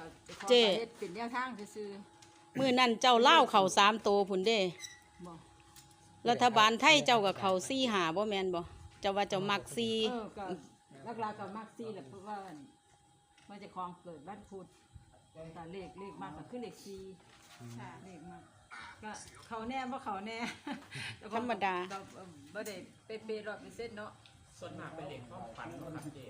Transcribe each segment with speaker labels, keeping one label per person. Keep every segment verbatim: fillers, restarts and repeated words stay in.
Speaker 1: เจ๊
Speaker 2: เป็นแนวทางซื่อ
Speaker 1: มื้อนั้นเจ้าเล่าวเข่าสามโตพุ่นเด้
Speaker 2: บ่
Speaker 1: รัฐบาลไทยเจ้ากับเขาสี่หาบ่แม่นบ่เจ้าว่าเจ้ามักสี่
Speaker 2: เออก็หลักๆก็มักซี่แหละเพราะว่ามันจะคลองเกิดวันพุธก็เลขเลขมากก็คือเลขสี่ค่ะเลขมากก็เขาแน่บ่เขาแน่
Speaker 1: ธรรมดา
Speaker 2: ก็บ่ได้เป๊ะๆร้อยเปอร์เซ็นต์เนาะ
Speaker 3: ส่วนมากเป็นเด็กความฝันนะครับเจ๊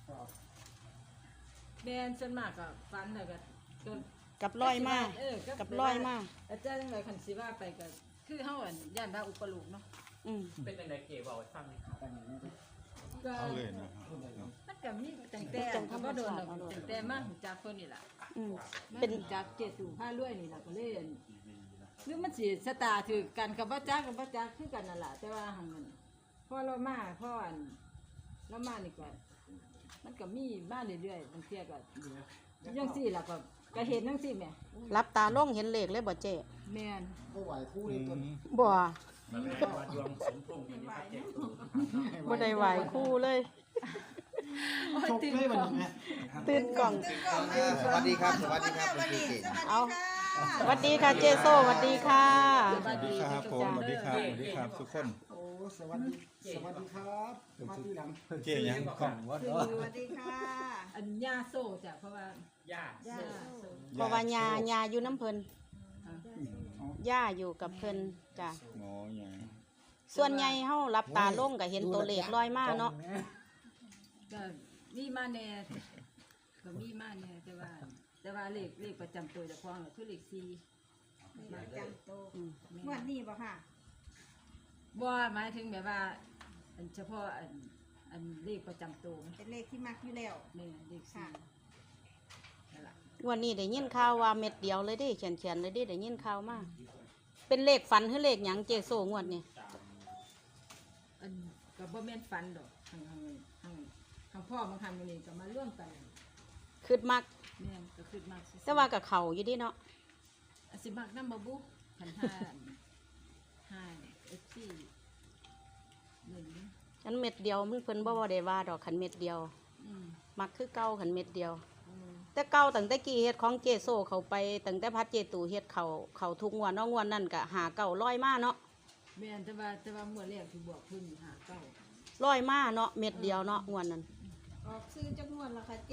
Speaker 2: แม่นส่วนมากก็ฝันแล้วก็จน
Speaker 1: กับร้อยมา
Speaker 2: เออ
Speaker 1: กับร้อยมา
Speaker 2: อาจารย์จังไดคันสิว่าไปก็คือเฮาอันย่านว่าอุปโลกเนาะ
Speaker 1: อืม
Speaker 3: เป็นยังไงเจ๊บอกให้ฟังหน่อยครับ
Speaker 2: ก็
Speaker 4: เอาเลยนะครับ
Speaker 2: มันก็มีตั้งแต่ก็บ่โดนดอกตั้งแต่มารู้จักเพิ่นนี่ล่ะ
Speaker 1: อืม
Speaker 2: มา
Speaker 1: เป็น
Speaker 2: รู้จักเจตู่ผ้ารวยนี่ล่ะก็เลยอั่นหรือมันสิสตาร์ถือกันกับบ่จักกับบ่จักคือกันนั่นล่ะแต่ว่าหังมันพอเรามาพออันเรามานี่ก็มันก็มีมาเรื่อยๆบางเที่ยก็จังซี่ล่ะก็ก็เห็นจังซี่แหม
Speaker 1: รับตาลงเห็นเลขเลยบ่เจ๊
Speaker 2: แม่น
Speaker 4: อืม
Speaker 1: บ่
Speaker 3: มันเลยว่าดวงสมพงษ์อย่างนี้ครับเจ๊
Speaker 1: บ่ได้ไหวคู่เลย
Speaker 4: ชกเลยวันนี้
Speaker 1: ตื่นกล่อง
Speaker 5: สวัสดีครับ สวัสดีครับคุณพี่เก่ง
Speaker 1: เอาสวัสดีค่ะเจโซสวัสดีค่ะ
Speaker 4: สวัสดีครับผมสวัสดีครับสวัสดีครับทุกคน
Speaker 6: โอ้สวัสดีสวัสดีครับมาที่หลัง
Speaker 4: เก่ยังกล่องวัด
Speaker 6: สวัสดีค่ะ
Speaker 2: อันยาโซจ้ะเพราะว่า
Speaker 3: ญาติ
Speaker 2: ยาโซ
Speaker 1: เพราะว่ายายาอยู่น้ำเพิ่นย่าอยู่กับเพิ่นจ้ะ
Speaker 4: งอยัง
Speaker 1: ส่วนใหญ่เฮารับตาลงก็เห็นตัวเลขลอยมาเนาะ
Speaker 2: ก็มีมาแน่ก็มีมาแน่แต่ว่า แต่ว่าเลขเลขประจำตัวเจ้าของก็คือเลขสี่
Speaker 6: มาจำโต
Speaker 1: อืม
Speaker 6: งวดนี้บ่ค่ะ
Speaker 2: บ่หมายถึงแบบว่าอันเฉพาะอันอันเลขประจำตัว
Speaker 6: เป็นเลขที่มักอยู่แล้ว
Speaker 2: เนี่ยเลขสี่
Speaker 6: ค่ะ
Speaker 2: นั่นล่ะ
Speaker 1: วันนี้ได้ยินข่าวว่าเม็ดเดียวเลยเด้เขียนๆเลยเด้ได้ยินข่าวมาเป็นเลขฝันหรือเลขหยังเจโซงวดนี้
Speaker 2: อันก็บ่แม่นฟันดอกทางทางทางทางพ่อบางครั้งมื้อนี้ก็มาร่วมกัน
Speaker 1: คิดมัก
Speaker 2: แม่นก็คือมากซื่อๆ
Speaker 1: แต่ว่ากับเขาอยู่ดิเนาะ
Speaker 2: อาสิมักนำบ่บุคันห้าห้า เอฟ ซี หนึ่ง
Speaker 1: อันเม็ดเดียวมันเพิ่นบ่บ่ได้ว่าดอกคันเม็ดเดียว
Speaker 2: อืม
Speaker 1: มักคือเก่าคันเม็ดเดียว
Speaker 2: อืม
Speaker 1: แต่เก่าตั้งแต่กี้เฮ็ดของเจโซเขาไปตั้งแต่พัดเจตูเฮ็ดเขาเขาทุกงวดเนาะงวดนั่นก็หาเก่าร้อยมาเนาะ
Speaker 2: แม่นแต่ว่าแต่ว่าเมื่อแรกที่บอกเพิ่นอยู่หาเก้า
Speaker 1: ร้อยมาเนาะเม็ดเดียวเนาะงวดนั้น
Speaker 6: ออกซื้อจักงวดละค่ะเจ๊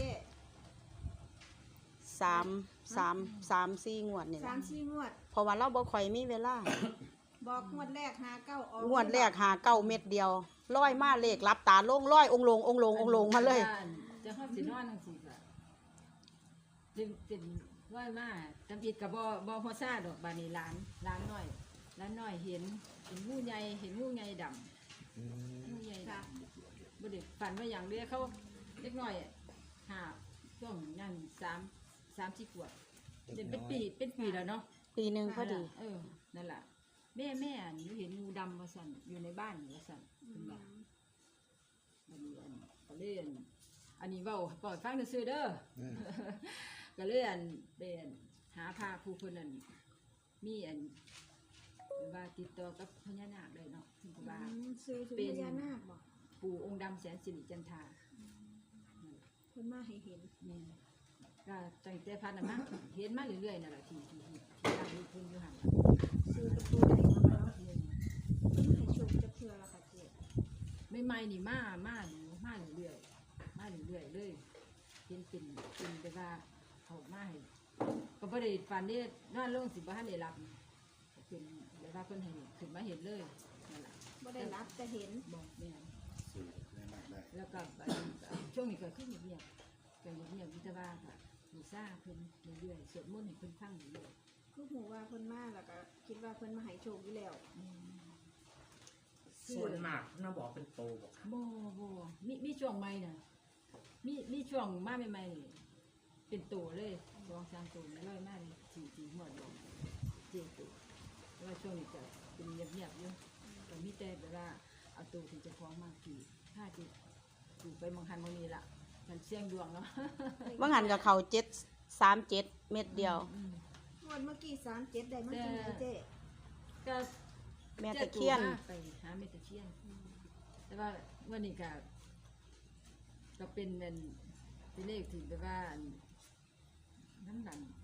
Speaker 1: สามสามสามสี่งวดนี่
Speaker 6: สา
Speaker 1: ล่ะ
Speaker 6: มสี่งวด
Speaker 1: เพราะว่าเราบ่ค่อยมีเวลา
Speaker 6: บอกงวดแรกหาเก้าออก
Speaker 1: งวดแรกหาเก้าเม็ดเดียวร้อยมาเลขรับตาลงร้อยองค์ลงองค์ลงองค์ลงมาเลย
Speaker 2: จะฮอดสินอนจังซี่ก็เป็นเป็นร้อยมาจำผิดก็บ่บ่ฮอดซ่าดอกบาดนี้หลานหลานน้อยหลานน้อยเห็นเห็นงูใหญ่เห็นงูใหญ่ดำงูใหญ่ดำบ่ได้ฝันว่าอย่างเดียวเขาเล็กน้อยหาช่วงนั้นสามสามสี่ขวบเป็นเป็นปีเป็นปีแล้วเนาะ
Speaker 1: ปีหนึ่งพอดี
Speaker 2: เออ นั่นแหละแม่แม่หนูเห็นงูดำมาสั่นอยู่ในบ้านอยู่ว่าสั่นเป็นแบบอันนี้อันก็เลยอันอันนี้เว่าปล่อยฟังซื่อๆเด้ออก็เลยอันเป็นหาพาครูคนนั้นมีอันว่าติดต่อกับพญานาคได้เนาะถึงกับว่า
Speaker 6: อืมซื้อถึง
Speaker 2: เป็น
Speaker 6: พญานาคบอก
Speaker 2: ปู่องค์ดำแสนสิริจันทรา
Speaker 6: เพิ่นมาให้เห็น
Speaker 2: นี่ก็ตั้งแต่พันนะมั้งเห็นมาเรื่อยๆนั่นแหละที่ที่ที่ที่ตั้งอยู่เพิ่นอยู่หันล่ะ
Speaker 6: ซื้อเป็นตัวใหญ่มาแล้วเพิ่นให้โชคจะเพื่อละค่ะเจ๊
Speaker 2: ไม่ไม่ๆนี่มามาหนูมาเรื่อยๆมาเรื่อยๆเลยเป็นเป็นเป็นแต่ว่าเขามาให้ก็บ่ได้ฝันได้นอนลงสิบ่ทันได้หลับเป็นเวลาเพิ่นให้ขึ้นมาเห็นเลยนั่นแหละ
Speaker 6: บ่ได้รับแต่เห็น
Speaker 2: บอกแม่น
Speaker 4: สื่อได้มากได้
Speaker 2: แล้วก็อันช่วงนี้ก็ขึ้นเงียบๆก็เงียบๆวิตาบ้าค่ะมีซ่าเพิ่นเรื่อยๆสวดมนต์ให้เพิ่นฟังเรื่อย
Speaker 6: คือหูว่าเพิ่นมาแล้วก็คิดว่าเพิ่นมาให้โชคอยู่แล้ว
Speaker 2: ๆอืม
Speaker 3: ส่วนมากน่าบอกเป็นโตบอกครับ
Speaker 2: บ่บ่มีมีช่วงใหม่น่ะมีมีช่วงมาใหม่ๆนี่เป็นตัวเลยสองสามตัวไม่ร้อยมากเลยสี่สี่หมดเลยเจ็ดตัวแล้วาช่วงนี้ก็เป็นเงียบๆอยู่แต่มีแต่แบบว่าเอาตัวที่จะฟ้องมากกี่ถ้าจะอยู่ไปเมองคันเมองนี้ละมันเสี่ยงดวงเนาะ
Speaker 1: ว่างันกับเขาเจ็ดสามเจ็ดเม็ดเดียว
Speaker 2: อืม
Speaker 6: งวดเมื่อกี้สามเจ็ดได้มาจังไดเจ๊
Speaker 2: ก็
Speaker 1: แม่ตะเคียน
Speaker 2: จ้าตัวมาไปหาแม่ตะเคียน แต่ว่าวันนี้ก็ก็เป็นเป็นเป็นเลขที่แบบว่าอันน้ำหนัก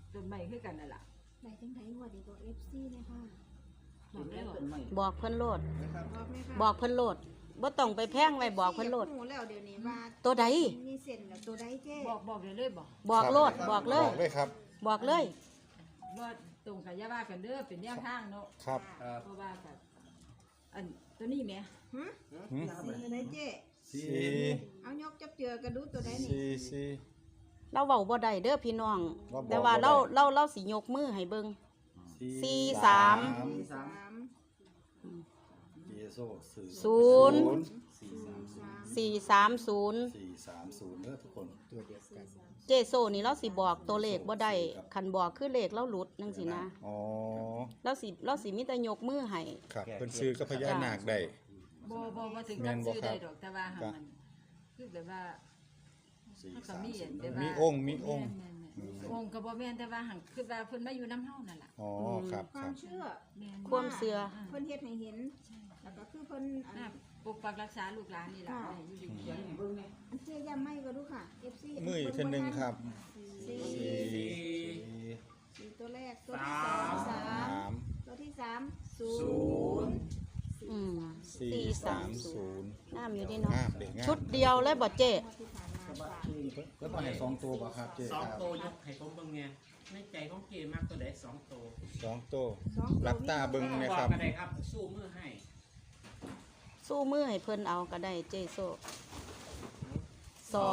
Speaker 2: ต้นไม้คือกันนั่นล่ะ
Speaker 6: ไหนจังไดงวดนี้ตัว เอฟ ซีเนะคะ
Speaker 2: บอกได้บ่
Speaker 1: บอกเพิ่นโลด
Speaker 6: บอกไหมคะ
Speaker 1: บอกเพิ่นโลดบ่ต้องไปแพงไว้บอกเพิ่นโลด
Speaker 6: หมูแล้วเดี๋ยวนี้ว่า
Speaker 1: ตัวใด
Speaker 6: มีเส้นแล้วตัวใดเจ๊
Speaker 2: บอกบอกได้เลยบ่
Speaker 1: บอกโลดบอกเล
Speaker 4: บ
Speaker 1: ย
Speaker 4: อกเลยครับ
Speaker 1: บอกเลย
Speaker 2: บ่ตรงกับอย่าว่ากันเด้อเป็นแนวทางเนาะ
Speaker 4: ครับ
Speaker 3: ครับ
Speaker 2: เพราะว่ากันอันตัวนี้แหม
Speaker 6: หึ
Speaker 4: หืม
Speaker 6: ตัวใดเจ๊
Speaker 4: สี่
Speaker 6: เอายกจับเจือกระดูตัวใดนี่
Speaker 4: สี่สี่
Speaker 1: เราเว้าบ่ได้เด้อพี่น้อง
Speaker 4: เราบอก
Speaker 1: แต่ว่า
Speaker 4: บ่ได้
Speaker 1: เราเราเราสิยกมือให้เบิ่ง สี่สาม
Speaker 6: สาม
Speaker 4: เยโซสื่อ
Speaker 1: ศูนย์
Speaker 4: สี่สาม
Speaker 6: สาม
Speaker 1: สี่สามศูนย์
Speaker 4: สี่สามศูนย์เด้อทุกคนตัวเดียวกัน
Speaker 1: เจโซนี่เราสิบอกตัวเลขบ่ได้คันบอกคือเลขเราหลุดจังซี่นะ
Speaker 4: อ๋อ
Speaker 1: เราสิเราสิมีแต่ยกมือให้
Speaker 4: ครับเพิ่นซื้อกับพญานาคได้
Speaker 2: บ่บ่บ่ถึง
Speaker 4: แม่
Speaker 2: กับ
Speaker 4: นบ่
Speaker 2: ซื้อ
Speaker 4: ครับ
Speaker 2: ได้ดอกแต่ว่าหามันคือแบบว่า
Speaker 4: สี่
Speaker 2: มันก็
Speaker 4: สาม
Speaker 2: มี
Speaker 4: ศู
Speaker 2: อั
Speaker 4: น
Speaker 2: น
Speaker 4: ย์
Speaker 2: แต่ว่า
Speaker 4: มีองค์มีองค์
Speaker 2: แม่นๆๆองค์ก็บ่แม่นแต่ว่าหังคือว่าเพิ่นมาอยู่น้ำเฮานั่นล่ะ
Speaker 4: อ๋อครับ
Speaker 6: ควา
Speaker 4: ครั
Speaker 6: ม
Speaker 4: บ
Speaker 6: เชื่อ
Speaker 2: แม่น
Speaker 1: ความเชื่อ
Speaker 6: เพิ่นเฮ็ดให้เห็น แล้วก็คือเพิ่นอัน
Speaker 2: น่าปกปักรักษาลูกหลานนี่ล่ะให้อยู่อยู่เขียนให้เบิ่งแม่
Speaker 6: อันเจ๊ย่ำไม่ก็ดูค่ะ เอฟ ซี
Speaker 4: มืออีกทีหนึงครับ
Speaker 6: สี่
Speaker 4: สี่
Speaker 6: สี่ตัวแรกตัวที่สองสา
Speaker 4: สาม ม
Speaker 6: ตัวที่สามศู
Speaker 3: ศู
Speaker 6: น
Speaker 3: น
Speaker 6: ย์
Speaker 3: ย์
Speaker 1: อืม
Speaker 4: สี่สามศูนย์
Speaker 1: งามอยู่ดีเนาะ
Speaker 4: งามเด็กงาม
Speaker 1: ชุดเดียวเลยบ่เจ
Speaker 6: งวดที่ผ่านมาฝาก
Speaker 4: แล้วก็ให้สองตัวป่ะครับเจ๊
Speaker 3: สอง
Speaker 4: ครับ
Speaker 3: ตัวยกให้ผมเบิ่งเนี่ยในใจของเกมากตัวใดสองตัว
Speaker 4: สองตัว
Speaker 6: สองตัว
Speaker 4: รับตาเบิ่ง
Speaker 3: บ
Speaker 4: นะ
Speaker 3: อก
Speaker 4: ครับ
Speaker 3: กันได้ครับสู้มือให้
Speaker 1: สู้มือให้เพิ่นเอาก็ได้เจโซสอง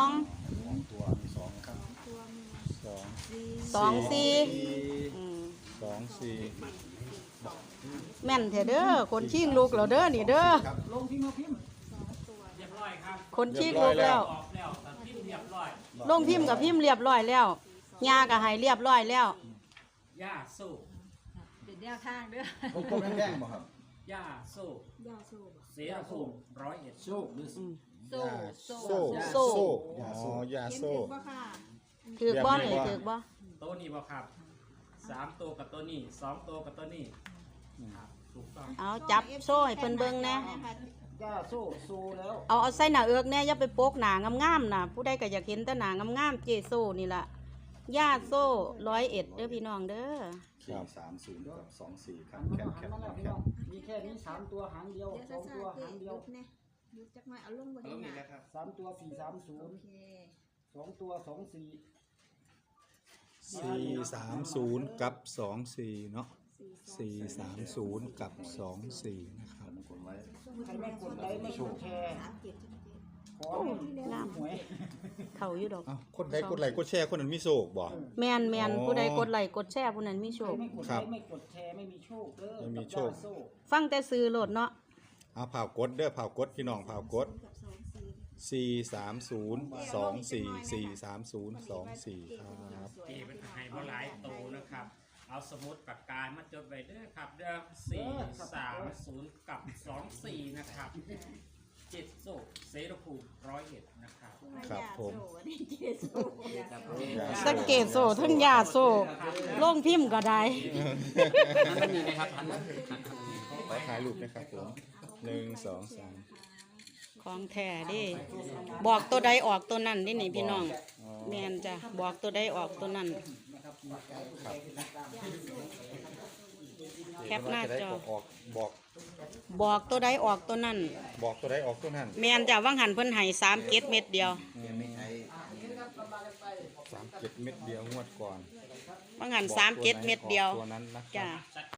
Speaker 4: สองตัวมีสองครับ
Speaker 6: ตัวมี
Speaker 4: สอง
Speaker 6: สี่
Speaker 1: สองสี่
Speaker 4: สี่
Speaker 1: อืม
Speaker 4: สองสี่
Speaker 1: แม่นแท้เด้อคนชิงลูกแล้วเด้อนี่เด้อ
Speaker 4: ครับ
Speaker 6: สองตัว
Speaker 3: เรียบร้อยครับ
Speaker 1: คนชิงลูกแล้ว
Speaker 3: ออกแล้วตัดพิมพ์เรียบร้อย
Speaker 1: ลงพิมพ์กับพิมพ์เรียบร้อยแล้วยาก็ให้เรียบร้อยแล้ว
Speaker 3: ย่าสู้
Speaker 2: เป็นแนวทางเด้อ
Speaker 4: ผมกลมแดงๆบ่ครับ
Speaker 3: ย่าสู้
Speaker 6: ยาสูบ
Speaker 3: เสียภูมิร้อยเอ็ด
Speaker 2: โซ่โซ่
Speaker 4: โซ่
Speaker 1: โซ่
Speaker 4: โซ่อ๋อยา
Speaker 6: เขียน
Speaker 4: โซ่
Speaker 6: ถูกปะค่ะ
Speaker 1: ถือบ่นี่ถือบ่
Speaker 3: ตัวนี้บ่ครับสามตัวกับตัวนี้สองตัวกับตัวนี้ครับถูกต้อง
Speaker 1: เอาจับโซ่ให้เพิ่นเบิ่งแหน่
Speaker 7: ย่าโซ่โซ่แล้ว
Speaker 1: เอาเอาใส่หน้าเอือกแหน่อย่าไปโปกหน้างามๆน่ะผู้ใดก็อยากเห็นแต่หน้างามๆเจโซนี่ล่ะญาติโซ่ร้อยเอ็ดเด้อพี่น้องเด้อ
Speaker 4: สี่สามศูนย์กับสองสี่ครับ
Speaker 7: หัน
Speaker 4: แค
Speaker 7: มา
Speaker 4: ป
Speaker 7: แล้ว
Speaker 4: แค
Speaker 7: หั
Speaker 4: ป
Speaker 7: นมาแล้ว
Speaker 4: แค
Speaker 7: พี่น้อง
Speaker 4: ป
Speaker 7: มีแค่นี้สามตัวหางเดียว
Speaker 6: เดี๋ยว
Speaker 7: สอง
Speaker 6: ซ่า
Speaker 7: ตัว
Speaker 6: ๆเจ๊
Speaker 7: หางเดี
Speaker 6: ย
Speaker 7: ยว
Speaker 6: กแน่ยกจักหน่อยเอาลงบ่
Speaker 3: เอ
Speaker 6: เห็
Speaker 3: อน มี
Speaker 6: หน้า
Speaker 3: แล้วครับ
Speaker 7: สามตัวสี่สามศูน
Speaker 6: โอ
Speaker 7: ย์
Speaker 6: เค
Speaker 7: สองตัวสองสี่
Speaker 4: สี่สามศูนย์กับสองสี่เนาะสี่สามศูนย์กับสองสี่นะครับกดไว้
Speaker 7: ใครไม่กดไลค์ไม่กดแชร์
Speaker 6: สามเจ็ดจังเจ๊
Speaker 7: ขอให้
Speaker 1: งาม
Speaker 7: หวย
Speaker 1: เข้าอยู่ดอก
Speaker 4: อ้าวคนใดกดไลค์กดแชร์คนนั้นมีโชคบ่
Speaker 1: แม่นแม่น
Speaker 4: อ๋อ
Speaker 1: ผู้ใดกดไลค์กดแชร์ผู้นั้นมีโช
Speaker 7: ใคร
Speaker 1: ค
Speaker 7: ไม่กด
Speaker 4: ครั
Speaker 7: ไล
Speaker 4: บ
Speaker 7: ค์ไม่กดแชร์ไม่มีโชคเด้อ
Speaker 4: ไม่มีโชค
Speaker 7: กับย่าโซ่
Speaker 1: ฟังแต่ซื้อโลดเนาะ
Speaker 4: เอาเผากดเด้อเผากดพี่น้องเผากด
Speaker 6: กับสองสี่
Speaker 4: สี่สามศูนย์สองสี่สี่สามศูนย์สองสี่ครับ
Speaker 3: เกเป็นไฮบอหลายโตนะครับ เอาสมุดปากกามาจดไว้เด้อครับเด้อสี่สามศูนย์กับสองสี่นะครับเจ็ดโซ่เสรภูมิร้อยเอ็ดนะครับ
Speaker 4: ครับผม
Speaker 6: โซ่นี่เจโซ่
Speaker 1: สังเกตโซ่ทั้งยาโซ่ลงพิมพ์ก็ได้
Speaker 4: ขอถ่ายรูปนะครับผมหนึ่งสองสาม
Speaker 1: ของแท้เดิบอกตัวใดออกตัวนั้นเดินี่พี่น้องแม่นจ้ะบอกตัวใดออกตัวนั้นแคปหน้าจอ
Speaker 4: ออกบอก
Speaker 1: บอกตัวใดออกตัวนั้น
Speaker 4: บอกตัวใดออกตัวนั้น
Speaker 1: แม่นจ้ะว่างหันเพิ่นให้สามเก็ดเม็ดเดียว
Speaker 4: สามเจ็ดเม็ดเดียวงวดก่อน
Speaker 1: ว่างหันสามเก็ดเม็ดเดียว
Speaker 4: ตัวนั้นนะครั
Speaker 1: จ้ะ
Speaker 4: บ